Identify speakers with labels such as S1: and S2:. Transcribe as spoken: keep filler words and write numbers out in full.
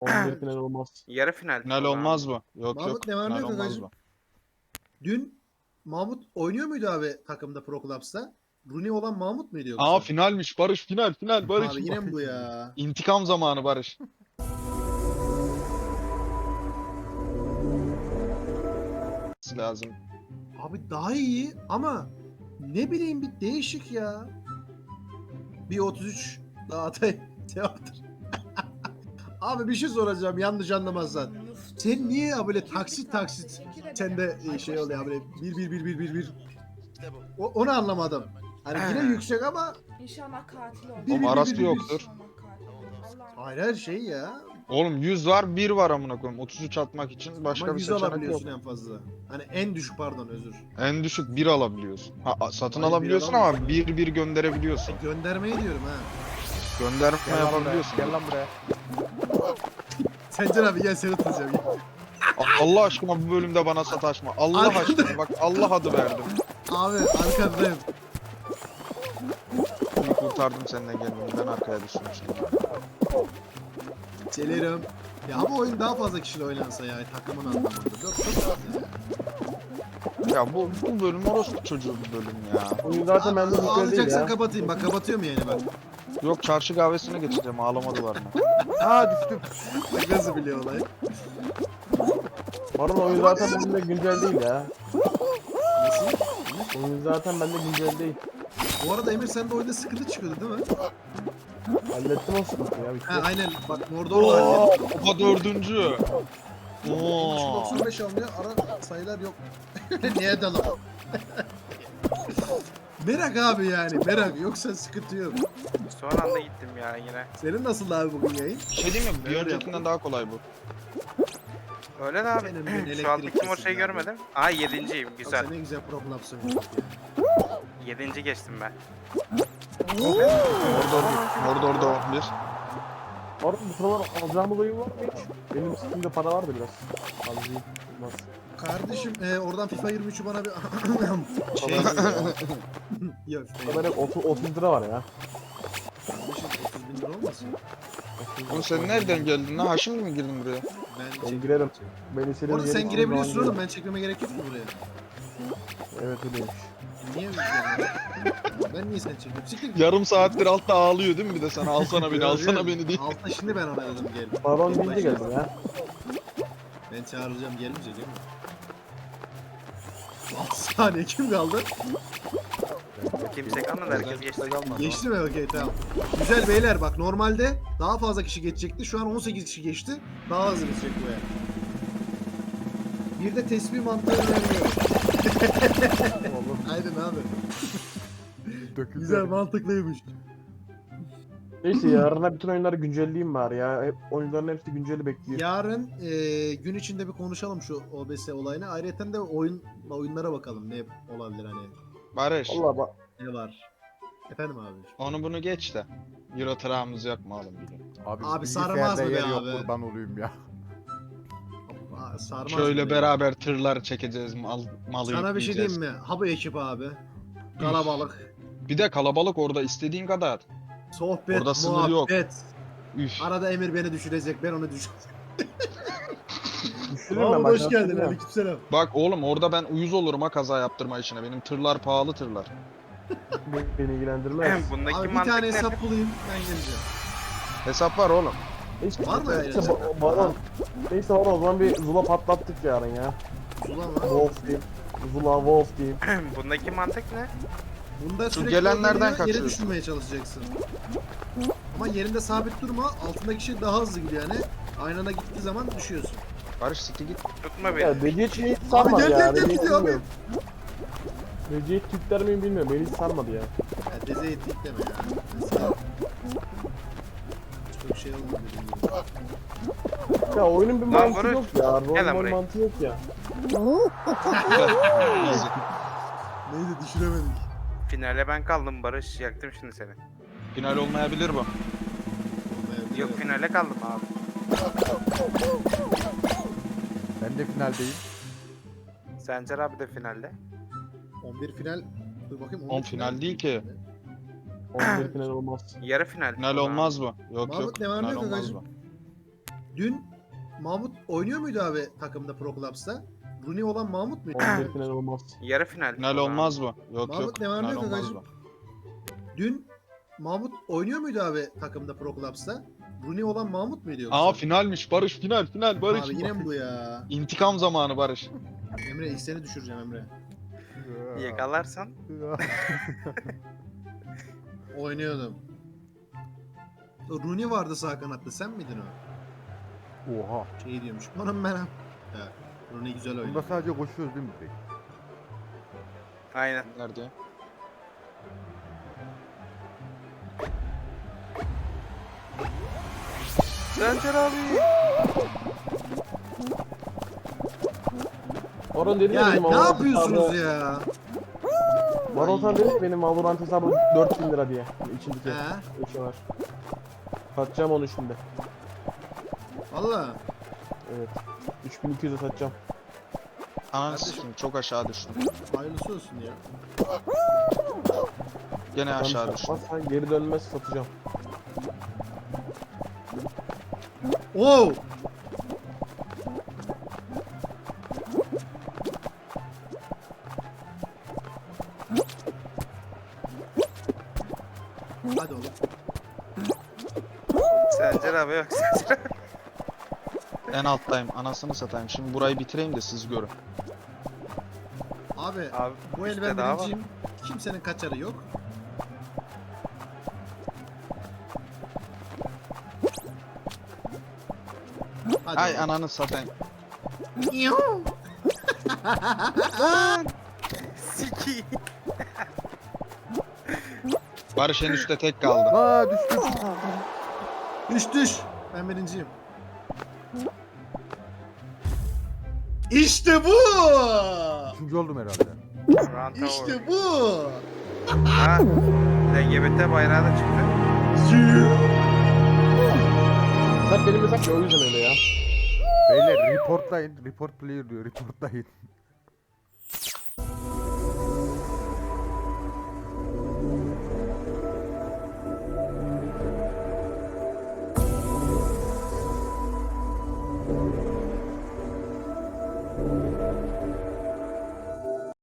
S1: on bir final olmaz.
S2: Yarı final.
S3: Final
S2: o zaman.
S3: olmaz mı? Yok
S4: Mahmut
S3: yok.
S4: ne var ne
S3: Final
S4: yok
S3: olmaz
S4: hacım?
S3: mı?
S4: Dün Mahmut oynuyor muydu abi takımda Pro Clubs'ta? Rooney olan Mahmut muydu yoksa?
S3: Aa finalmiş Barış, final final Barış.
S4: Abi yine mi bu ya?
S3: İntikam zamanı Barış. Lazım.
S4: Abi daha iyi ama ne bileyim bir değişik ya. Bir otuz üç daha atayım. Teatr. Abi bir şey soracağım yanlış anlamazsan. Sen niye ya böyle taksit taksit sende e, şey oluyor böyle bir bir bir bir bir bir. O, onu anlamadım. Hani yine yüksek ama
S5: İnşallah katil olur.
S4: Bir,
S3: Oğlum
S4: bir, bir,
S3: arası
S4: bir, bir,
S3: yoktur.
S5: İnşallah katil olur. Allah'ım.
S4: hayır her şey ya.
S3: Oğlum yüz var, bir var amına koyayım. otuz üç atmak için başka
S4: Ama
S3: bir
S4: yüz
S3: seçenek yok.
S4: alabiliyorsun en fazla. Hani en düşük pardon özür.
S3: En düşük bir alabiliyorsun. Ha, a- satın
S4: Hayır, bir
S3: alabiliyorsun
S4: alamıyorsun
S3: ama bir bir gönderebiliyorsun.
S4: Göndermeyi diyorum ha.
S3: Gönderme
S1: Gel lan buraya.
S3: yapabiliyorsun.
S1: Gel lan buraya.
S4: Sencer abi gel seni tutacağım. Gel.
S3: A- Allah aşkına bu bölümde bana sataşma. Allah
S4: Arkada-
S3: aşkına bak Allah adı verdim.
S4: Abi arkandayım.
S3: İyi kurtardım seninle geldiğimden arkaya düşmüştüm.
S4: Gelirim. Ya bu oyun daha fazla kişiyle oynansa ya takımın anlamında. Çok çok fazla ya.
S3: Ya bu, bu bölüm orospu çocuğu bir bölüm ya.
S1: Oyun zaten bende
S4: Aa,
S1: mükemmel değil
S4: ağlayacaksan
S1: ya.
S4: kapatayım. Bak kapatıyorum yani bak.
S3: Yok çarşı kahvesine geçeceğim ağlama duvarına.
S1: Aa düştüm.
S4: Bak nasıl biliyor olayı.
S1: Baron oyun zaten bende güncel değil ya.
S4: Nasıl?
S1: Oyun zaten bende güncel değil.
S4: Bu arada Emir sen de oyunda sıkıntı çıkıyordu değil mi?
S1: Hallettim o sıkıntıyı ya. Bitti.
S4: Ha aynen bak Mordor var.
S3: Oo,
S4: ya.
S3: Opa dördüncü.
S4: üç
S3: Oo.
S4: doksan beş almıyor. Ara sayılar yok. Niye dalam? Merak abi yani merak yoksa sıkıntı yok.
S2: Son anda gittim ya yine.
S4: Senin nasıl abi bugün yayın?
S3: Bir şey diyeyim mi? Bir
S4: Nerede
S3: öncekinden
S4: yaptın?
S3: daha kolay bu.
S2: Öyle de abi.
S4: Senin ben
S2: Şu an
S4: elektrik
S2: kim o şeyi
S4: kesildi abi.
S2: görmedim. Aa yedinciyim. Güzel.
S4: Sen ne güzel Pro Clubs'ın ya.
S2: Yedinci geçtim ben.
S3: Mordor bir. Mordor'da on bir.
S1: Baron bu sıralar alacağımız oyun var mı hiç? Benim üstümde para vardı biraz. Alayım. Olmaz.
S4: Kardeşim e, oradan FIFA yirmi üçü bana bir şey Yok
S1: Burada hep otuz, otuz lira var ya.
S4: kardeşim otuz bin lira olmasın?
S3: Oğlum sen nereden geldin lan? Ha şimdi mi girdin buraya?
S4: Ben
S1: Ben
S4: çek-
S1: girerim. Beni senin
S4: Orada sen
S1: yerin
S4: girebiliyorsun
S1: zaman
S4: oğlum ben çekmeme gerek yok mu buraya?
S1: Evet öyleymiş.
S4: Niye Ben niye sen çekiyorum? Siktir git.
S3: Yarım saattir altta ağlıyor değil mi bir de sana alsana beni alsana beni diye.
S4: Altta şimdi ben ona dedim gel.
S1: Baron
S4: Tek
S1: deyince
S4: başına.
S1: geldim ya.
S4: Ben çağıracağım gelince değil mi? altı saniye kim kaldı?
S2: Kimse kalmadı. Herkes geçti.
S4: Geçti mi? Okey tamam. Güzel beyler bak normalde daha fazla kişi geçecekti. Şu an on sekiz kişi geçti. Daha hızlı geçecek bu yani. Bir de tesbih mantığı önermiyorum.
S1: Oğlum
S4: Aynen abi.
S1: döküldü.
S4: Güzel mantıklıymış.
S1: Neyse yarına bütün oyunları güncelleyeyim bari ya. Hep oyunların hepsi günceli bekliyor.
S4: Yarın e, gün içinde bir konuşalım şu O B S olayını. Ayrıca de oyun oyunlara bakalım ne olabilir hani
S3: Barış
S1: Valla bak.
S4: ne var. Efendim abi.
S3: onu bunu geç de. Euro tırağımız yok mu oğlum bugün?
S6: Abi,
S4: Abi
S6: bilgisayarda
S4: sarmaz mı be
S6: yer yok,
S4: abi?
S6: kurban olayım ya.
S4: Aa, sarmaz
S3: Şöyle
S4: mı?
S3: beraber tırlar çekeceğiz mal, malı
S4: Sana bir şey
S3: yükleyeceğiz.
S4: diyeyim mi? Ha bu ekip abi. Kalabalık.
S3: Bir de kalabalık orada istediğin kadar.
S4: Sohbet,
S3: Orada sınır yok.
S4: muhabbet.
S3: Üf.
S4: Arada Emir beni düşürecek, ben onu düşüreceğim.
S1: Düşürürüm ben
S4: Mahmut
S1: bak.
S4: hoş geldin,
S1: hatırlıyorum.
S4: aleykümselam.
S3: Bak oğlum orada ben uyuz olurum ha kaza yaptırma işine. Benim tırlar pahalı tırlar.
S1: Beni, beni ilgilendirmez.
S2: Bundaki
S4: Abi bir
S2: mantık
S4: tane
S2: ne?
S4: hesap bulayım, ben geleceğim.
S3: Hesap var oğlum.
S1: Neyse,
S4: Var mı öyle
S1: neyse,
S4: hesap?
S1: ba- Baron. Neyse Baron o zaman bir Zula patlattık yarın ya.
S4: Ulan lan.
S1: Wolf Team. Zula Wolf Team.
S2: Bundaki mantık ne?
S4: Bunda
S3: Şu
S4: sürekli
S3: gelenlerden
S4: geliyor, yere
S3: kaçıyorsun.
S4: düşürmeye çalışacaksın. Ama yerinde sabit durma, altındaki şey daha hızlı gidiyor yani. Aynı anda gittiği zaman düşüyorsun.
S3: Barış sikti git.
S2: Tutma beni.
S1: Ya Beci hiç hiç sarmadı
S4: gel,
S1: ya.
S4: gel, gel,
S1: Beci hiç
S4: gidiyor abi.
S1: bilmiyorum. Beci hiç Türkler miyim bilmiyorum. Beni hiç sarmadı ya.
S4: Ya deze ettik deme ya. Mesela... Çok şey olmadı dediğim gibi.
S1: Ya oyunun bir
S2: Lan
S1: mantığı
S2: Barış,
S1: yok ya.
S2: gel
S1: Rol
S2: lan
S1: rol
S2: buraya.
S1: mantığı yok ya.
S3: Easy.
S4: Neydi düşüremedik.
S2: Finale ben kaldım Barış. Yaktım şimdi seni.
S3: Final olmayabilir bu.
S2: Yok finale kaldım abi.
S6: Ben de finaldeyim.
S2: Sencer abi de finalde.
S4: on bir final. Dur bakayım.
S3: On final değil ki.
S1: on bir final olmaz.
S2: Yarı final.
S3: Final
S2: o zaman.
S3: olmaz bu. Yok
S4: Mahmut
S3: yok.
S4: ne var ne
S3: Final
S4: yok
S3: olmaz
S4: hacım?
S3: bu.
S4: Dün Mahmut oynuyor muydu abi takımda Pro Clubs'ta? Rooney olan Mahmut muydu?
S1: on bir final olmaz.
S2: Yarı final.
S3: Final olmaz mı? Yok
S4: Mahmut
S3: yok.
S4: ne var ne
S3: Final
S4: yok
S3: olmaz
S4: agacım?
S3: mı?
S4: Dün Mahmut oynuyor muydu abi takımda Pro Clubs'ta? Rooney olan Mahmut muydu yoksa?
S3: Aa finalmiş Barış, final final Barış.
S4: Abi yine mi bu ya?
S3: İntikam zamanı Barış.
S4: Emre ilk seni düşüreceğim Emre.
S2: Yakalarsan
S4: Oynuyordum. O Rooney vardı sağ kanatta, sen miydin o?
S6: Oha.
S4: Şey diyormuş. Onun ben. Evet. Rooney güzel
S6: Bunda
S4: oynuyor.
S6: sadece koşuyoruz değil mi direkt?
S2: aynen.
S3: Nerede?
S2: Sencer abi.
S1: Baron dedi
S4: Ya
S1: ya benim
S4: ne
S1: Valorant
S4: yapıyorsunuz
S1: hesabı-
S4: ya?
S1: Baron dedi ki benim Valorant hesabı dört bin lira diye. İçindeki
S4: He?
S1: eşi var. Satacağım onu şimdi.
S4: Valla.
S1: Evet. üç bin iki yüze satacağım.
S3: Ananı
S4: Kardeşim.
S3: sikeyim, çok aşağı düştüm.
S4: Hayırlısı olsun ya.
S3: Gene
S1: Ben
S3: aşağı düştüm.
S1: satmazsan geri dönmez satacağım.
S4: Oo! Hadi oğlum.
S2: Sencer abi yok. Sencer abi.
S3: En alttayım. Anasını satayım. Şimdi burayı bitireyim de siz görün.
S4: Abi,
S2: Abi
S4: bu el
S2: üstte
S4: ben
S2: daha var.
S4: birinciyim. Kimsenin kaçarı yok. Hadi
S3: Ay
S4: oğlum.
S3: ananı satayım.
S2: Siki.
S3: Barış en üstte tek kaldı.
S6: Aa düştüm.
S4: Düş düş. Ben birinciyim. İşte bu.
S6: Üçüncü oldum herhalde.
S2: Ranta
S4: İşte bu.
S2: Ha. L G B T bayrağı da çıktı.
S1: Sen benim hesap ya o yüzden öyle ya.
S6: Beyler reportlayın. Report player diyor. Reportlayın.